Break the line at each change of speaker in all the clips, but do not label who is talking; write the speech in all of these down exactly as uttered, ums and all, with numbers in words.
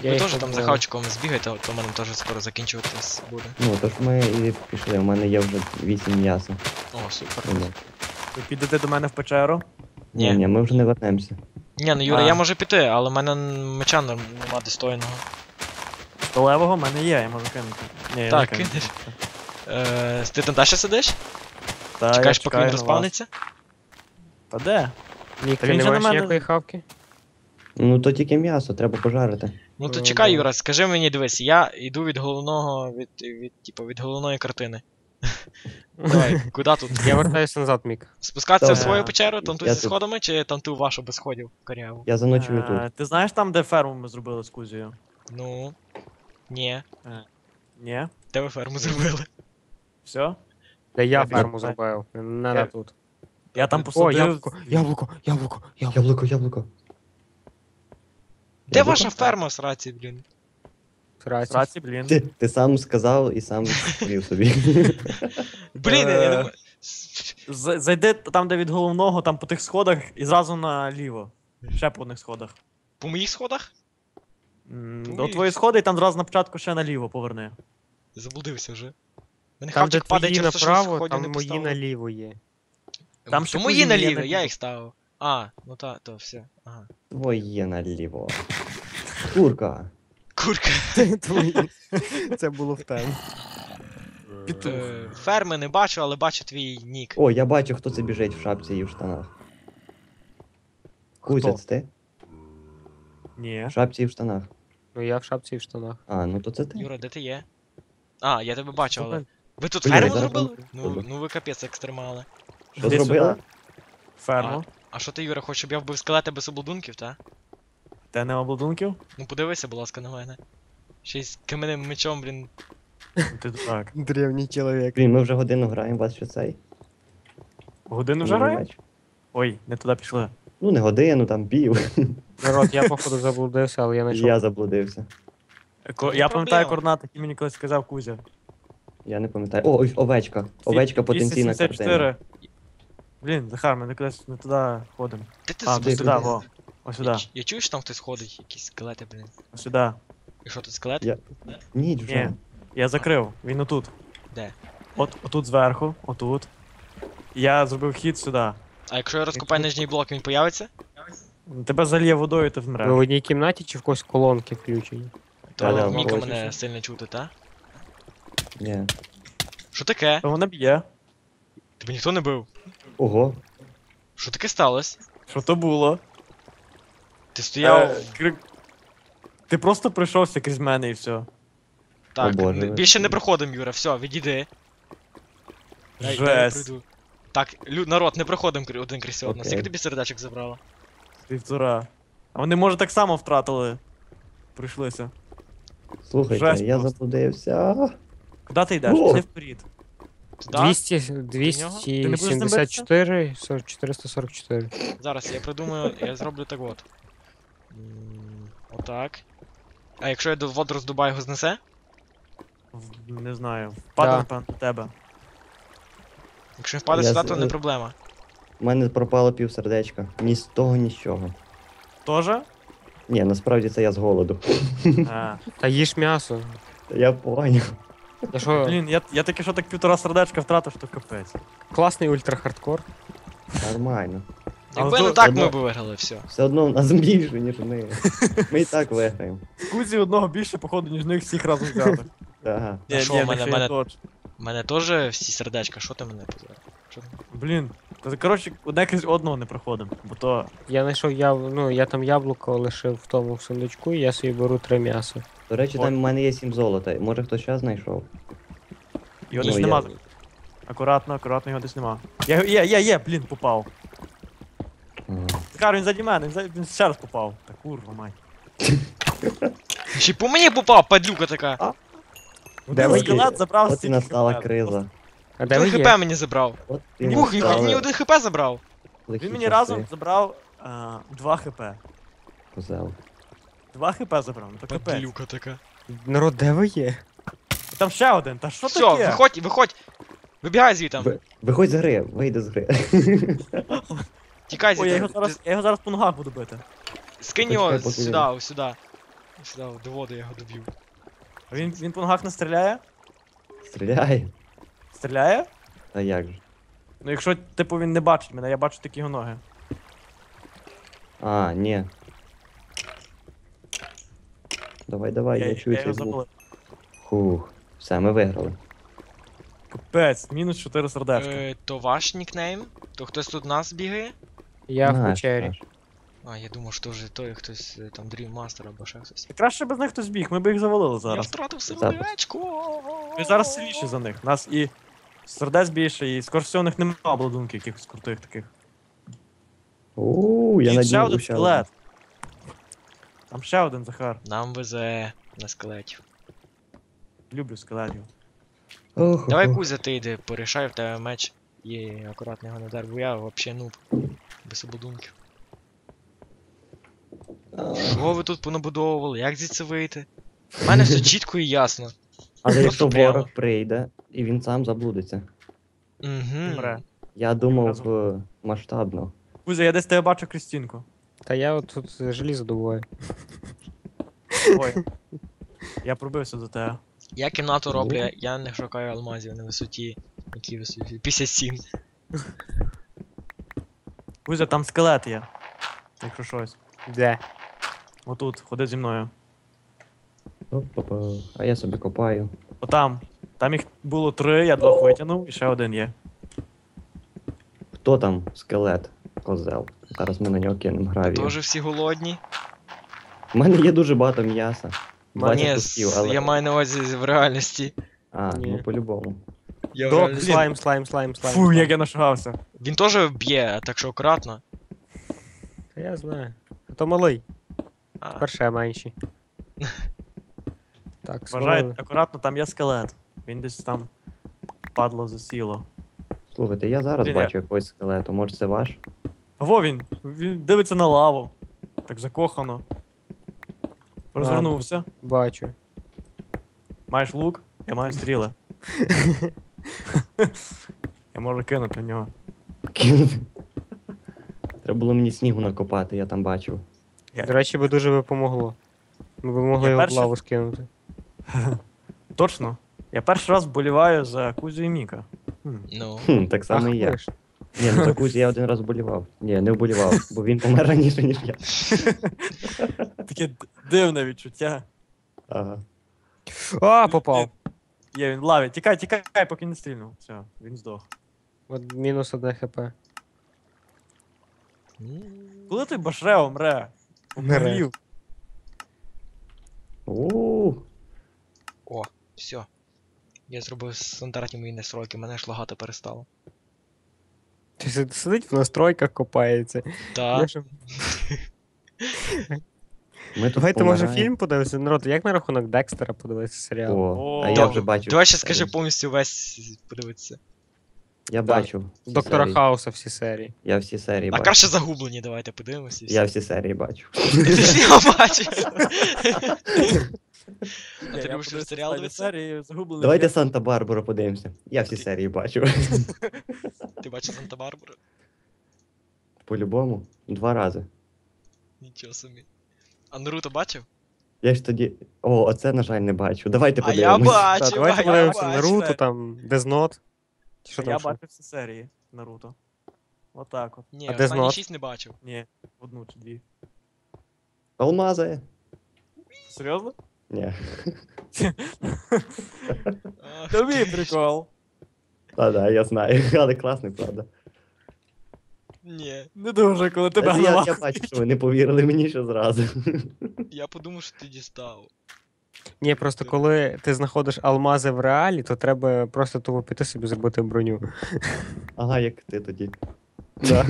Я
Ви
їх
теж там за
побиваю.
хавчиком збігайте, то в мене теж скоро закінчуватись буде.
Ну, то ж ми і пішли, у мене є вже вісім м'яса.
О, супер.
Ну,
Ви підете до мене в печеру?
Ні,
Ні.
ні, ми вже не вернемося.
Ні, ну Юра,
А.
я можу піти, але в мене меча нем- нема достойного.
Столевого в мене є, я можу кинути. Ні, я
Так,
не кину.
кинеш. Е, ти там далі сидиш?
Та, я
Чекаєш, поки
чекаю
він
на вас.
розпавниться?
Та де?
Мік,
Та
ти
він
не
же на
маєш
мене-
ніякої хавки?
Ну то тільки м'ясо, треба пожарити.
Ну то
Ну,
чекай,
да.
Юра, скажи мені, дивись, я йду від головного, від, від, типу, від головної картини. Давай, куди тут?
Я вертаюся назад, Мік.
Спускатися в
Добре.
свою печеру, там тут
Я
зі
тут.
сходами, чи там ту вашу без сходів коряву?
Я заночую
Е,
тут.
Ти знаєш там, де ферму ми зробили з Кузією?
Ну. Ні.
Ні?
Де ви ферму зробили?
Все?
Де я
Я
ферму
біжу.
зробив. Не
Я-
на тут.
Я там
О,
посадив...
яблуко, яблуко, яблуко, яблуко.
Яблуко, яблуко.
Де
Яблуко?
ваша ферма, сраці, блін?
Сраці.
Сраці, блін.
Ти, ти сам сказав і сам відповів собі.
Блін, я
Е.
думаю.
З- Зайди там, де від головного, там по тих сходах, і зразу наліво. Ще по одних сходах.
По моїх сходах?
М,
Ой.
До твої сходи, і там зразу на початку ще наліво поверни.
Заблудився вже. Мене
Там, де
хавчик падає
твої
через те, що
направо,
сходів не
там мої
поставив.
наліво є.
Там
То
ще
мої
кузні є
наліві,
наліво.
я їх ставив. А, ну та, то все. Ага.
Твоє наліво. Курка.
Курка.
Це було в темі.
Петух.
Е, Ферми не бачу, але бачу твій нік.
О, я бачу, хто це біжить в шапці і в штанах. Кузець ти?
Ні.
В шапці і в штанах.
Ну я в шапці і в штанах.
А, ну то це ти.
Юра, де ти є? А, я тебе бачу, але. Ви тут
Блін,
ферму
зараз
зробили?
ми-
Ну, ну ви капець екстремали.
Що
Іди
зробила?
сюди. Ферму.
А що ти, Юра, хочеш, щоб я вбив скелети без обладунків, та?
Те не обладунків?
Ну подивися, будь ласка, на мене. Ще й з каменним мечом, блін.
Ти так.
Древній чоловік.
Блін, ми вже годину граємо, вас що цей?
Годину вже грає? Ой, не туди пішли.
Ну не годину, там пів.
Народ, я походу заблудився, але я знайшов.
Я заблудився.
Ко-
не
Я пам'ятаю
проблема.
координати, які мені колись сказав Кузя.
Я не пам'ятаю. О, ось овечка. Овечка потенційна
двісті сімдесят чотири.
картина.
Блін, Захар, ми кудись не туди ходимо.
Де ти
А,
собі
ти
ти
сюди,
куди?
во. Ось
Я,
сюди,
ч- я чую, що там хтось ходить, якісь скелети, блін.
ось сюди.
І що тут скелет?
Я- Ніч вже.
Ні, я закрив, він отут.
Де?
От, отут зверху, отут. Я зробив хід сюди.
А якщо я розкопаю нижній блок, він появиться?
Тебе заліє водою, ти
Ви в
вмреш.
одній кімнаті чи в когось колонки включені?
То
Та-да,
Міка
бачиш.
мене сильно чути, та?
Ні.
Що таке?
То вона б'є.
Тебе ніхто не бив.
Ого.
Що таке сталося?
Що то було?
Ти стояв.
Е, кри- Ти просто пройшовся крізь мене і все.
Так,
О, Боже.
не- більше не проходимо, Юра, все, відійди. Дай- дай я
Жесть.
пройду. Так, лю- народ, не проходимо крі- один крізь одного.
Окей.
Скільки тобі сердечок забрало?
Півтора. А вони, може, так само втратили. Прийшлися.
Слухайте,
Жесть
я
просто.
заблудився.
Куди ти йдеш?
О!
Іди вперед.
Туди?
двісті,
Ти не будеш
двісті сімдесят чотири, сорок, чотириста сорок чотири.
Зараз я придумаю, я зроблю так от. М, Отак. А якщо я до воду роздубаю, його знесе?
В- Не знаю. Впаде,
Да.
напевно, на тебе.
Якщо він впаде
Я
сюди,
з-
то не проблема.
У мене пропало пів сердечка. Ні з того, ні з чого.
Тоже?
Ні, насправді це я з голоду.
А.
Та їж м'ясо.
Я поняв.
Я що,
Блін, я, я таки що так півтора сердечка втратив, що капець.
класний ультрахардкор.
Нормально.
Але
Якби
то-
не так,
одно-
ми б виграли, все.
Все одно в нас більше, ніж ми. Ми і так виграємо.
Кузі одного більше, походу, ніж них всіх разом взяти.
Ага.
А що,
ні,
в мене-
так ще
мене-
й точно.
У мене теж всі сердечка, що ти мене позирав? Що ти?
Блін. Та, коротше, одне крізь одного не проходимо, бо то.
Я знайшов яб... ну, я там яблуко лишив в тому сундучку, і я собі беру три м'яса.
До речі,
От.
там в мене є сім золота. Може хтось ще знайшов?
Його
Ну,
десь
я-
нема. Акуратно, акуратно, його десь нема. Я, є, є, є, блін, попав.
Ага.
Захар, він заді мене, він, за- він ще раз попав. Та курва, мать.
Ще й по мені попав, падлюка така.
Де
Один
ви
скелет забрав
От і
стільки
настала
хп.
криза.
А де ви
Один
є?
хп мені забрав.
От і
Ух, він
настали
мені один хп забрав.
лихі
Він мені
часи.
разом забрав а, два хп.
Козел.
Два хп забрав, ну то капець.
Падлюка така.
Народ, де ви є?
Там ще один, та що
Все,
таке?
виходь, виходь. Вибігай звідти.
Ви- Виходь з гри, вийди з гри.
Тікай
Ой, я
звідти.
його зараз, я його зараз по ногах буду бити.
Скинь
Почекай,
його
поки
сюди,
він-
ось сюди. Сюди, до води я його доб'ю.
А він, він по ногах не стріляє?
Стріляй.
Стріляє?
А як же?
Ну якщо, типу, він не бачить мене, я бачу тільки його ноги.
А, ні. Давай, давай, я,
я,
чую
я
цей
його
звук.
запалив.
Хух. Все, ми виграли.
Капець, мінус чотири сердечка.
Е, то ваш нікнейм? То хтось тут нас бігає?
Я в
Наш,
печері.
наш.
А, я думав, що вже той хтось е, там Dream Master або ще хтось.
І краще без них хтось біг, ми б їх завалили
Я
зараз.
втратив
Запис.
сердечко!
Ми зараз сильніші за них. Нас і сердець більше, і скоріше всього у них немає обладунків якихось крутих таких.
Ууу, я
І ще
надію
один
ще
скелет. Там ще один Захар.
Нам везе на скелетів.
Люблю скелетів.
Ох,
Давай,
ох.
Кузя, ти йди, порішай, в тебе меч. Є, акуратно його не дар, бо я вообще нуб. Без ободунків. Що ви тут понабудовували? Як звідси вийти? У мене все чітко і ясно.
Але
Просто
якщо
прямо.
ворог прийде, і він сам заблудиться.
Угу.
Мре.
Я думав
Разом.
е, масштабно.
Кузя, я десь тебе бачу Крістінку.
Та я от тут желізо добуваю.
Ой. Я пробився до тебе.
Я кімнату роблю, я не шукаю алмазів на висоті. Які висоті? п'ятдесят сім.
Кузя, там скелет є. Якщо щось.
Де?
Отут, ходи зі мною.
Оп-опа. А я собі копаю.
Отам. Там їх було три, я двох витягнув, і ще один є.
Хто там скелет? Козел. Зараз ми на нього кинемо гравію.
Тоже всі голодні.
У мене є дуже багато м'яса. двадцять
Ні,
кусків,
с-
але...
я маю на увазі в реальності.
А,
Ні.
ну по-любому.
Я в
Док,
реальності-
слайм, слайм, слайм, слайм.
Фу,
слайм.
як я нашагався.
Він теж б'є, так що акуратно.
Та я знаю. А то малий,
А,
перше менший. Так,
Вважайте,
свалили.
акуратно, там є скелет. Він десь там падло засіло.
Слухайте, я зараз
Привіт.
бачу якогось скелету. Може це ваш?
Во він! Він дивиться на лаву. Так закохано. Розвернувся.
Бачу.
Маєш лук, я маю стріли. Я можу кинути в нього.
Треба було мені снігу накопати, я там бачив.
Я-
До речі, би дуже би помогло. Ми б могли
Я
його в
перший-
лаву скинути.
Точно. Я перший раз вболіваю за Кузю і Міка. Хм.
ну.
Хм, так само і я.
ви ж.
Ні, ну такусь я один раз вболівав. Ні, не вболівав, бо він помер раніше, ніж я.
Таке д- дивне відчуття.
Ага.
А, попав.
Є, він в лаві. Тікай, тікай, поки не стрільнув. Все, він здох.
От мінус одне хп.
Коли той башрео мре?
Мре.
Помрів.
У,
О, все. Я зробив стандартні мої настройки, мене ж лагати перестало.
Ти си- сидить в настройках, копається.
Та.
Я ж-
Ми тут
Давайте, може,
помираємо.
фільм подивитися. Народ, як на рахунок Декстера подивитися серіал?
О,
О,
а я
добре.
вже бачив.
Давай ще
всі
скажи
серії.
повністю весь подивитися.
Я бачив. всі
Доктора
серії.
Хауса всі серії.
Я всі серії
А
бачив.
краще загублені, давайте подивимося. і все.
Я всі серії бачив.
Ти ж його бачив. А
Ні,
ти
я
любиш
подивився
серіал
останні
дивитися?
серії, загублений.
Давайте
світ.
Санта-Барбару подивимося. Я всі серії бачив.
Ти бачив Санта-Барбару?
По-любому. Два рази.
Нічого собі. А Наруто бачив?
Я ж тоді. О, оце, на жаль, не бачу. Давайте
А я
подивимось.
бачив,
Так, давайте
а я
подивимося
бачив.
Наруто, там, Дезнот. Чи що
Я
там? ще?
бачив всі серії Наруто. Отак от.
Ні,
А де
останні
знот?
шість не бачив.
Ні, одну чи дві.
Алмази.
Серйозно?
Ні.
Ах
Тобі
ти.
прикол.
Та-да, я знаю. Але класний, правда.
Ні,
Не дуже, коли тебе
Та я, я
нема.
бачу, що ви не повірили мені ще зразу.
я подумав, що ти дістав.
Ні, просто коли ти знаходиш алмази в реалі, то треба просто тупо піти собі зробити броню.
Ага, як ти тоді.
Да.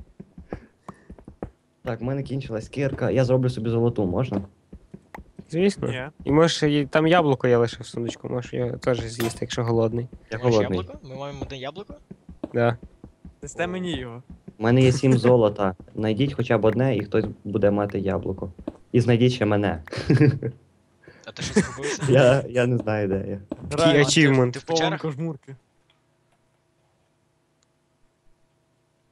Так, в мене кінчилась кірка. Я зроблю собі золоту, можна?
Звісно.
Ні.
І можеш, і там яблуко я лишив в сундучку, можеш його теж з'їсти, якщо голодний.
Я
Ти маєш
голодний.
яблуко? Ми маємо одне яблуко?
Да.
Дасте мені його.
У мене є сім золота. Найдіть хоча б одне, і хтось буде мати яблуко. І знайдіть ще мене.
А ти що зробився?
Я, я не знаю, де я.
Такий
ти-
ачівмент.
ти в
Повен
печерах?
кожмурки.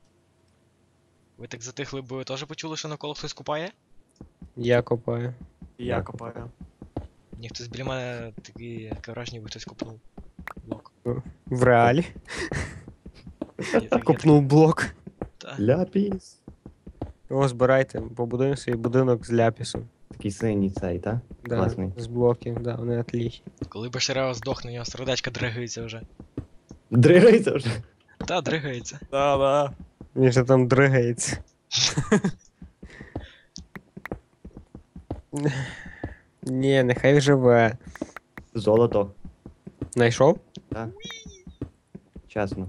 Ви так затихли, бо ви теж почули, що навколо хтось купає?
Я копаю.
І я
Я
копаю.
Ні, хтось біля мене такий таке враження, ніби хтось копнув блок.
В реалі.
Я так- я
Копнув блок.
так- та.
Ляпіс.
О, збирайте, побудуємо свій будинок з ляпісу.
Такий синій цей, та?
Да,
Класний.
з блоків, да, вони отлічні.
Коли Башарео здохне, у нього сердечко дригається вже.
Дригається вже.
Та, дригається.
Да, да.
Він же там дригається. Ні, нехай живе.
Золото.
Найшов?
Так. Чесно.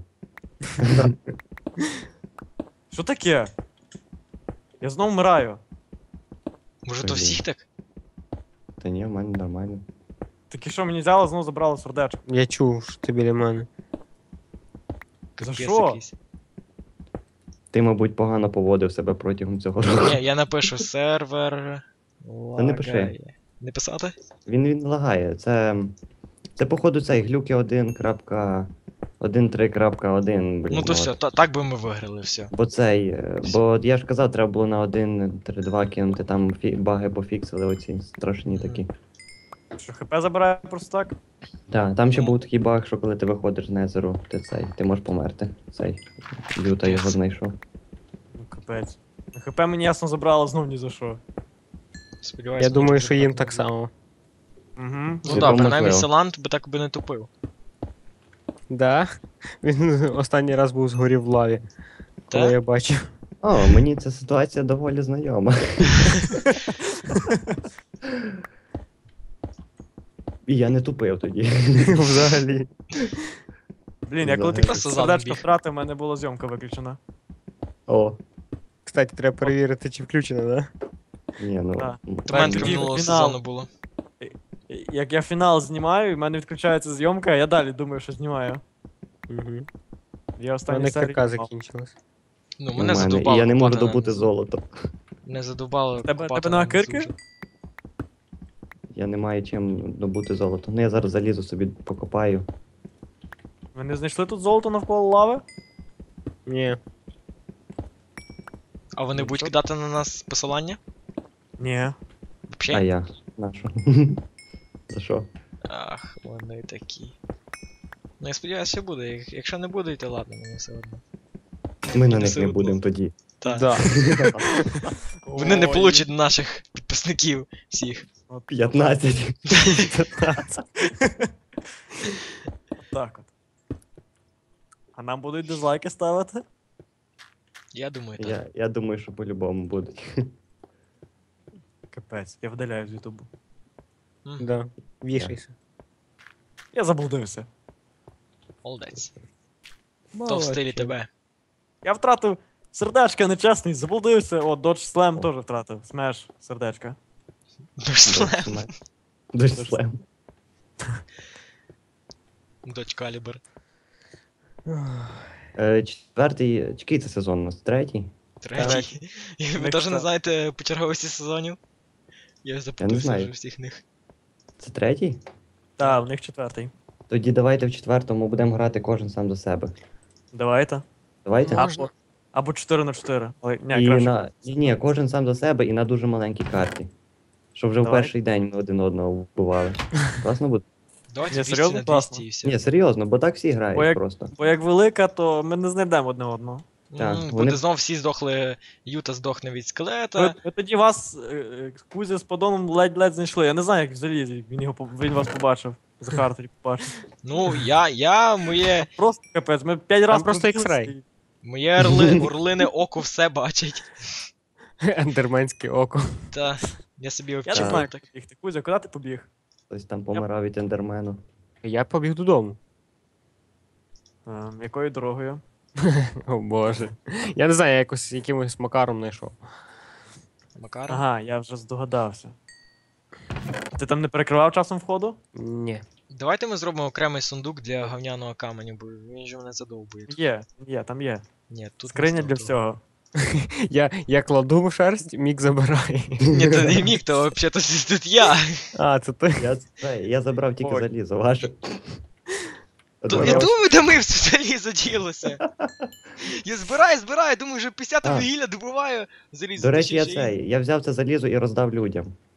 Що таке? Я знов вмираю.
Може то
Блін.
всіх так?
Та ні, в мене нормально.
Таке що мені взяло, знову забрало сердечко.
Я чув, що ти біля мене.
За
Капець
що?
якийсь.
Ти, мабуть, погано поводив себе протягом цього року.
Ні, я напишу сервер.
Та не пиши.
лагає. Не писати?
Він він лагає. Це. Це, походу, цей глюки один крапка один три крапка один, блін.
Ну то
от.
все, та- так би ми виграли, все.
Бо цей. е, Бо я ж казав, треба було на один три два кинути, там фі- баги пофіксили оці страшні
Мгм.
такі.
Що хп забирає просто так?
Так, там ще
Ну.
був такий баг, що коли ти виходиш з незеру, ти цей, ти можеш померти. Цей. Люта його знайшов.
Ну капець. хп мені ясно забрало знов ні за що.
Сподіваюся,
Я думаю,
може,
що їм
буде
так само.
Угу.
Ну
Цілком
так, принаймні
можливо.
Селанд би так би не тупив.
Да? Він останній раз був згорів в лаві, коли
Та?
я бачив.
О, мені ця ситуація доволі знайома. І я не тупив тоді.
Взагалі.
Блін, я коли ти
Взагалі.
Просто
сердечко
задом біг.
втратив, в мене була зйомка виключена.
О,
Кстати, треба перевірити, чи включено, да?
ні, ну.
Так.
м,
У мене
тоді
таке минулого
фінал.
сезону було.
Як я фінал знімаю, і в мене відключається зйомка, а я далі думаю, що знімаю.
Угу.
Я
У
останній
мене
серії.
КК
знімав.
закінчилось.
Ну,
у
мене
мене,
задовбало.
І я не можу
копати на-
добути золото.
Не задовбало.
Тебе-
копати
тебе нема
на
кирки?
низу.
Я не маю чим добути золото. Ну я зараз залізу собі покопаю.
Ви не знайшли тут золото навколо лави?
Ні.
А вони
Ну,
будуть
що?
кидати на нас посилання?
Ні.
А
Взагалі?
я. На що? За що?
Ах, вони такі. Ну я сподіваюся, що буде. Як- Якщо не буде, то ладно, мені все одно.
Ми на
Мені
них
все
не
одно.
будемо тоді.
Так.
Да.
Вони не
Ой.
получать наших підписників всіх.
От-
п'ятнадцять.
Так от. А нам будуть дизлайки ставити?
Я думаю, так.
Я, я думаю, що по-любому будуть.
Капець, я видаляю з Ютубу.
Мгм.
Да. Вішайся.
Я заблудився.
Молодець. То в
Молодець.
стилі тебе.
Я втратив сердечко нечесний, заблудився. О, Dodge Slam теж втратив. Смеш, сердечко.
Дочка.
Дуже слем.
Доч Калібр.
Е, Четвертий. Який це сезон у нас? Третій?
Третій. І ви
Них
теж не
та-
знаєте по черговості сезонів? Я запутався
знаю.
вже всіх них.
Це третій?
Так, в них четвертий.
Тоді давайте в четвертому будемо грати кожен сам за себе.
Давайте.
Давайте?
Можна.
Або, або чотири на чотири. Ой, ні,
І
краще.
на... Ні, ні, кожен сам за себе і на дуже маленькій карті. Щоб вже в
Давай.
перший день ми один одного вбивали. Класно буде?
Давайте
Ні,
двісті
серйозно?
на
Класно.
двісті і все.
Ні, серйозно, бо так всі
Бо
грають
як-
просто.
Бо як велика, то ми не знайдемо одне одного.
Так,
М,
вони-
Буде знов всі здохли, Юта здохне від
Ви,
скелета.
ви тоді вас е, е, Кузя з подоном ледь-ледь знайшли. Я не знаю, як взагалі він його по- він вас побачив. Захар тоді побачив.
Ну, я, я, моє,
Просто капець, ми п'ять разів
просто X-ray.
моє орли, орлине око все бачить.
Ендерменське око.
Та, я собі
Я не
вчив
знаю,
так.
як бігти. Кузя, куди ти побіг?
Хтось там помирав від ендермену.
Я побіг додому.
Ем, якою дорогою?
О боже. Я не знаю, я якось якимось макаром знайшов.
Макар.
Ага, я вже здогадався. Ти там не перекривав часом входу?
Ні.
Давайте ми зробимо окремий сундук для говняного каменю, бо він же мене задовбує.
Є, є, там є.
Ні, тут
Скриня
не
для
стоїть того.
всього.
Я, я кладу в шерсть, мік забирає.
Ні, то не міг, то взагалі тут я.
А, це ти.
Я, це, я забрав тільки
Ой.
залізо, ваше.
То я думаю, де ми все залізо ділося. Я збираю, збираю, думаю, вже п'ятдесят
А.
вугілля добуваю. Залізо.
До речі, я
ще й-
цей. Я взяв це залізо і роздав людям.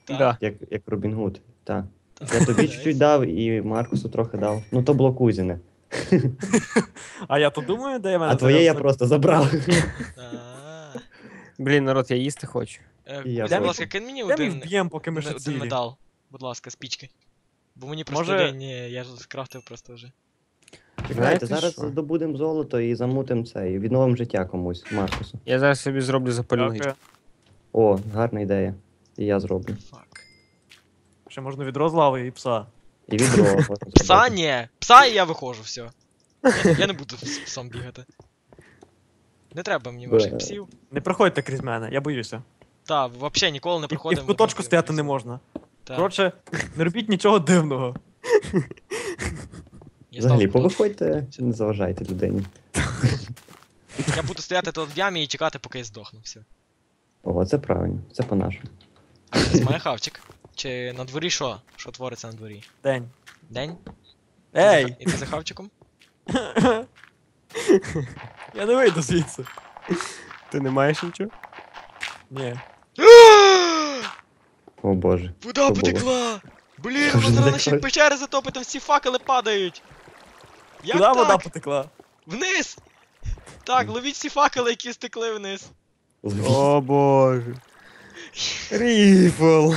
Так.
Да.
Як, як Робін Гуд. Так.
Так.
Я тобі чуть-чуть дав і Маркусу трохи дав. Ну то було кузіне.
А я то думаю, де я мене.
А твоє я
зараз-
просто забрав.
А.
Блін, народ, я їсти хочу.
Е,
І я
Будь
теж.
ласка, кинь мені
Де ми
один,
вб'ємо, поки ми ще
один
цілі?
медал. Будь ласка, спічки. Бо мені просто
Може-
лінь, ні, я ж скрафтив просто вже.
Чекайте,
Знаєте
зараз
що?
здобудемо золото і замутимо це, і відновимо життя комусь, Маркусу.
Я зараз собі зроблю запальну
Дякую.
гічку.
О, гарна ідея. І я зроблю.
Фак.
Ще можна відро з лави і пса.
І відро. можна
Пса
зробити.
ні! Пса і я виходжу, все. Я, я не буду з псом бігати. Не треба мені ваших
Бе.
псів.
Не проходьте крізь мене, я боюся.
Та, взагалі ніколи не
І, і
проходимо.
в куточку стояти не можна.
Та,
Коротше, не робіть нічого дивного.
я
Взагалі,
став в куточку.
повиходьте, не заважайте людині.
Я буду стояти тут в ямі і чекати, поки я здохну. Все.
О, це правильно, це по-нашому.
А це має хавчик. Чи на дворі що? Що твориться на дворі?
День.
День?
Ей!
І ти за хавчиком?
Я не вийду звідси.
Ти не маєш нічого?
Ні.
О боже.
Вода
Що
потекла! Блін,
Вже
вона
не
зараз ще
так.
печери затопить, там всі факели падають! Як
Куди
так?
вода потекла?
Вниз! Так, ловіть всі факели, які стекли вниз.
О боже. Ріфл.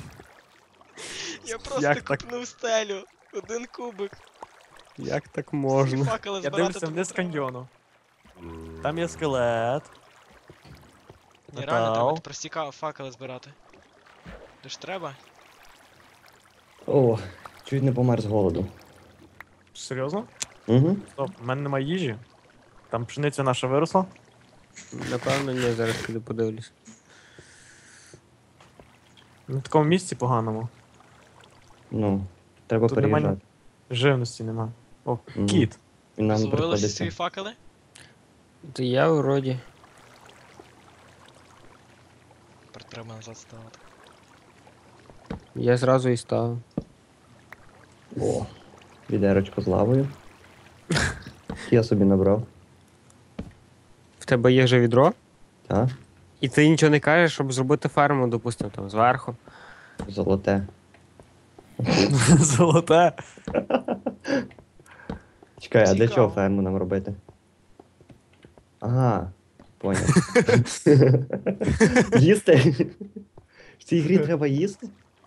Я просто
Як так?
купнув стелю. Один кубик.
Як так
Всі
можна?
факели
Я
збирати
дивлюся
тут
вниз
треба.
каньйону. Там є скелет.
Ні, реально
Метал.
треба прості ка- факели збирати. Де ж треба?
О, чуть не помер з голоду.
Серйозно?
Угу.
Стоп, в мене немає їжі. Там пшениця наша виросла.
Напевно, ні, зараз піду подивлюсь.
На такому місці поганому.
Ну, треба
Тут нема ні-
переїжджати.
Живності нема. О,
Мгм.
кіт.
І нам
Зловили всі
приходиться.
свої факели?
То я вроді.
Тепер треба назад ставити.
Я зразу і ставив.
О, відерочко з лавою. Я собі набрав.
В тебе є вже відро?
Так,
І ти нічого не кажеш, щоб зробити ферму, допустимо, там зверху.
золоте.
Золоте.
Чекай, а для
Цікаво.
чого ферму нам робити? Ага, поняв. Їсти? В цій грі треба їсти?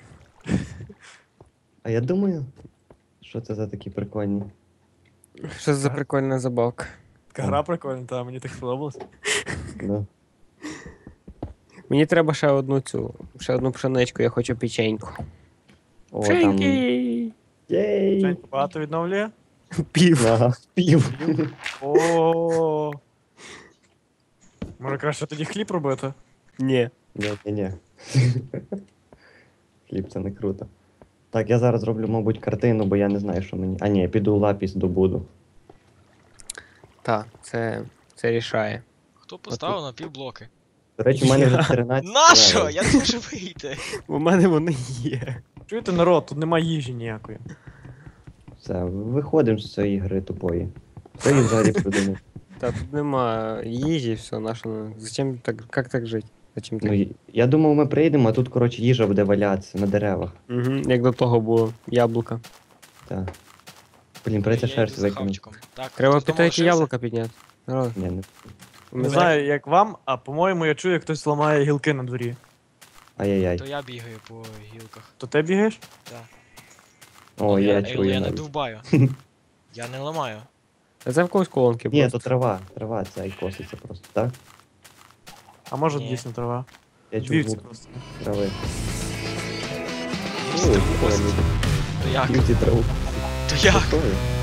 А я думаю, що це за такі прикольні.
Що це за прикольна забавка.
Така гра прикольна, та мені так сподобалось.
Ну.
Мені треба ще одну цю, ще одну пшеничку, я хочу печеньку.
О, там.
Пшеньки!
Єй!
Жень, багато відновлює?
Пів.
Ага, пів.
О. Може краще тоді хліб робити?
Ні.
Ні, ні, ні. Хліб, це не круто. Так, я зараз роблю, мабуть, картину, бо я не знаю, що мені. А ні, піду лапіс добуду.
Так, це, це рішає.
Хто поставив на півблоки?
До речі, у мене вже
Я.
чотирнадцять.
Нащо?
левел.
Я не можу вийти.
У мене вони є.
Чуєте, народ, тут немає їжі ніякої.
Все, виходимо з цієї гри тупої. Що її взагалі придумав?
Та тут нема їжі, все, наше. Зачем так, як так жити? Зачем так?
Ну, і- я думав, ми прийдемо, а тут, коротше, їжа буде валятися на деревах.
Угу, як до того було. Яблука.
Так. Блін, прийдеться
Я йду
шерсть
за
викинути.
хавчиком. Так,
Треба
хтось
піти
дома
які
лишився?
яблука підняти. Народ,
Ні, не.
у
Не
мене-
знаю, як вам, а по-моєму, я чую, як хтось ламає гілки на дворі.
Ай-яй-яй.
То я бігаю по гілках.
То ти бігаєш?
О, я
я,
чую.
я не
навіть.
довбаю. Я не ламаю.
А це в когось колонки
Ні,
просто.
то трава. Трава ця і коситься просто, так?
А може
Ні.
дійсно трава?
Я чую
Вівці
звук
просто.
трави.
Всі
Ой,
траву
прикольно.
косять. То як?
Вівці траву.
То як?
Прикольно.